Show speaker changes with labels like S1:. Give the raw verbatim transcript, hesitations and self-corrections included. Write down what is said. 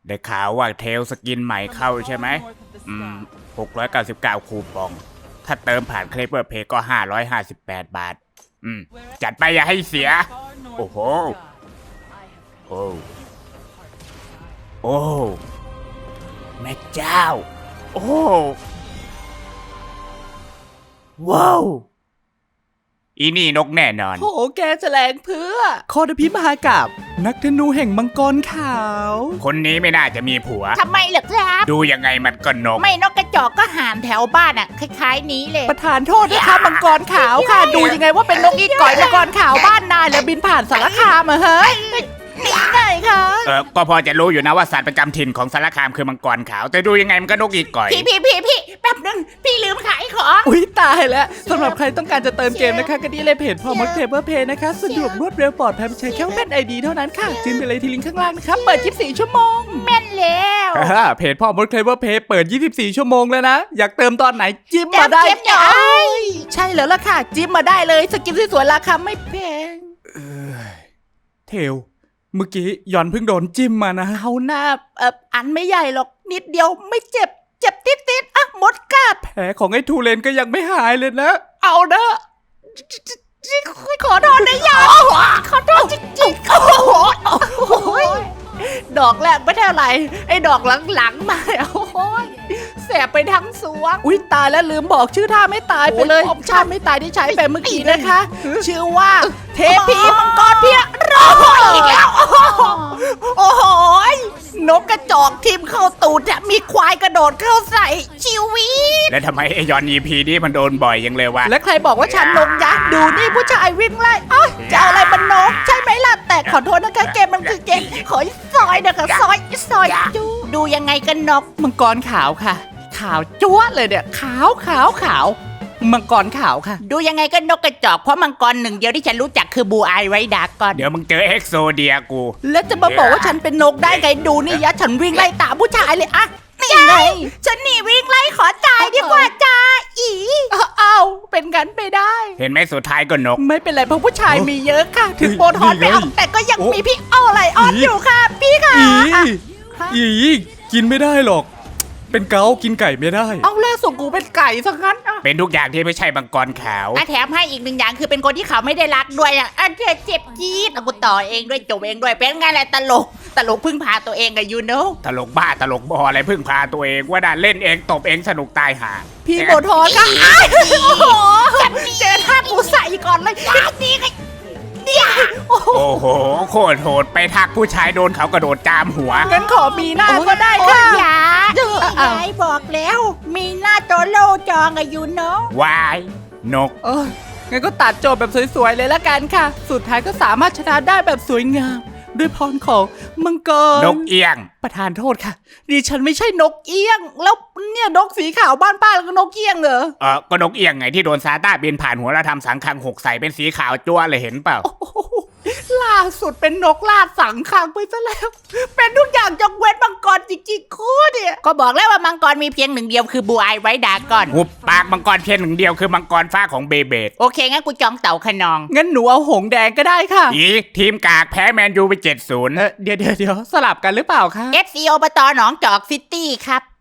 S1: ได้ข่าวว่าเทลสกินใหม่เข้าใช่ไหมอืมหกร้อยเก้าสิบเก้าคูปองถ้าเติมผ่านเคลเปอร์เพย์ก็ห้าร้อยห้าสิบแปดบาทอืมจัดไปอย่าให้เสียโอ้โหโอ้โอ้แม่เจ้าโอ้ว้าวอีนี่นกแน่นอน
S2: โหแกแสลงเพื่อโคตรพิมหากาบนักธนูแห่งมังกรขาว
S1: คนนี้ไม่น่าจะมีผัว
S3: ทำไมเหรอครับ
S1: ดูยังไงมันก็นก
S3: ไม่นกกระจอกก็ห่านแถวบ้านอ่ะคล้ายๆนี้เลย
S2: ประธานโทษนะคะมังกรขาวค่ะ ดูยังไงว่าเป็นนกอีก่อยมังกรขาวบ้านนายแล้วบินผ่านสารคามอะเฮ้ยนี่ไงคะ
S1: เออก็พอจะรู้อยู่นะว่าสัตว์ประจำถิ่นของสารคามคือมังกรขาวแต่ดูยังไงมันก็นกอีก่อย
S3: พี่พี่พี่พี่แป๊บนึงพี่ลืมขายของ
S2: อุ้ยตายแล้วสำหรับใครต้องการจะเติมเกมนะคะก็ดีเลยเพจพอมักเทเบิลเพย์นะคะสะดวกรวดเร็วปลอดภัยใช้แค่เป็นไอดีเท่านั้นค่ะจิ้มไปเลยที่ลิงก์ข้างล่างนะคะเปิดยี่สิบสี่ชั่วโมง
S3: แม่นแล้ว
S2: เพจพ่อมดเคลเวอร์เพย์เปิดยี่สิบสี่ชั่วโมงแล้วนะอยากเติมตอนไหนจิ้มมาได้
S3: เจ็บเนี่ย
S2: ใช่แล้วล่ะค่ะจิ้มมาได้เลยสกินสวยๆราคาไม่แพงเทลเมื่อกี้หย่อนเพิ่งโดนจิ้มมานะเอาหน้าเอ่ออันไม่ใหญ่หรอกนิดเดียวไม่เจ็บเจ็บติดติดๆอ่ะมดกัดแผลของไอ้ทูเลนก็ยังไม่หายเลยนะ เอานะขอโทษนะยายขอโทษจริงๆโอ้โหโอ้ยดอกแรกไม่เท่าไหร่ไอ้ดอกหลังๆมาโอ้ยแสบไปทั้งสวงอุ้ยตายแล้วลืมบอกชื่อท่าไม่ตายไปเลยท่าไม่ตายที่ใช้ไปเมื่อกี้นะคะ ชื่อว่าเทพีมังกรเพียรออีกแล้วโอ้โหนกกระจอกทิ่มเข้าตูดจะมีควายกระโดดเข้าใส่ชีวิต
S1: แล้วทำไมไอยอนอีพีนี้มันโดนบ่อยยังเลยวะ
S2: และใครบอกว่าฉันนกยักษ์ดูนี่ผู้ชายวิ่งไล่อ้าวจะเอาอะไรมันนกใช่ไหมล่ะแต่ขอโทษนะคะเกมมันคือเกมขอซอยนะคะซอยซอยจูดูยังไงกันนกมังกรขาวค่ะ ขาวจั๊วะเลยเนี่ยขาวขาวขาวมังกรขาวค่ะ
S3: ดูยังไงก็นกกระจอกเพราะมังกรหนึ่งเดียวที่ฉันรู้จักคือบูไอไรดากอน
S1: เดี๋ยวมึงเจอเอ็กโซเดียกู
S2: แล้วจะมาบอกว่าฉันเป็นนกได้ไงดูนี่ยะฉันวิ่งไล่ตามผู้ชายเลยอะนี่ไง
S3: ฉันหนีวิ่งไล่ขอจ่ายดีกว่าจ้าอี
S2: อ้าวเป็นกันไปได้
S1: เห็นไหมสุดท้ายก็นก
S2: ไม่เป็นไรเพราะผู้ชายมีเยอะค่ะ ถึงโบทอน
S1: นี่
S2: ไม่
S1: ไง
S2: เอาแต่ก็ยังมีพี่อ้อไลออนอยู่ค่ะ พี่ค่ะ
S4: อีอีกินไม่ได้หรอก เป็นเกากินไก่ไม่ได้
S2: เอาล่าสุดกูเป็นไก่ซะงั้นอ่ะ
S1: เป็นทุกอย่างที่ไม่ใช่มังกรขาว
S3: อ่ะแถมให้อีกหนึ่งอย่างคือเป็นคนที่เขาไม่ได้รักด้วยอ่ะอ่ะเจ็บเจ็บจี๊ดอ่ะกูต่อเองด้วยจบเองด้วยเป็นไงแหละตลกตลกพึ่งพาตัวเองกับยูโน่
S1: ตลกบ้าตลกบออะไรพึ่งพาตัวเองว่าได้เล่นเองตบเองสนุกตายห่า
S2: พี่โบทอนค่ะอ้ายโอ้โหเจอท่ากูใส่ก่อนเลยนี่ไงเนี่ยโอ้โห
S1: โอ้โหโคตรโหดไปทักผู้ชายโดนเขากระโดดจามหัว
S2: งั้นขอมีหน้าก็ได้
S3: โอ้
S2: ค่ะ
S3: ยยา
S2: อ้าว
S3: ยายบอกแล้ว มีหน้าโตโลจองกับยูโน่
S1: วาย นก
S2: เอองั้นก็ตัดโจทย์แบบสวยๆเลยละกันค่ะ สุดท้ายก็สามารถชนะได้แบบสวยงาม ด้วยพรของมังกร
S1: นกเอียง
S2: ประธานโทษค่ะดิฉันไม่ใช่นกเอี้ยง แล้วเนี่ยนกสีขาวบ้านป้าแล้วก็นกเอี้ยงเหรอ
S1: เออก็นกเอียงไงที่โดนซาต้าบินผ่านหัวแล้วทำสังคังหกใส่เป็นสีขาวจั่วเลยเห็นเปล่า
S2: โอ้โหล่าสุดเป็นนกลาดสังขังไปซะแล้ว เป็นทุกอย่างยกเว้นมังกรจริงๆโคตรเนี่ย
S3: ก็บอกแล้วว่ามังกรมีเพียงหนึ่งเดียวคือบูไอไรดากอน
S1: หุบปากมังกรเพียงหนึ่งเดียวคือมังกรฟ้าของเบเบด
S3: โอเคงั้นกูจองเต่าขนอง
S2: งั้นหนูเอาหงแดงก็ได้ค่ะ
S1: อีทีมกากแพ้แมนยูไปเจ็ดศูนย์
S2: เออเดี๋ยวเดี๋ยวเดี๋ยวสลับกันหรือเปล่าคะ
S3: เอฟ ซี อบตหนองจอกซิตี้ครับ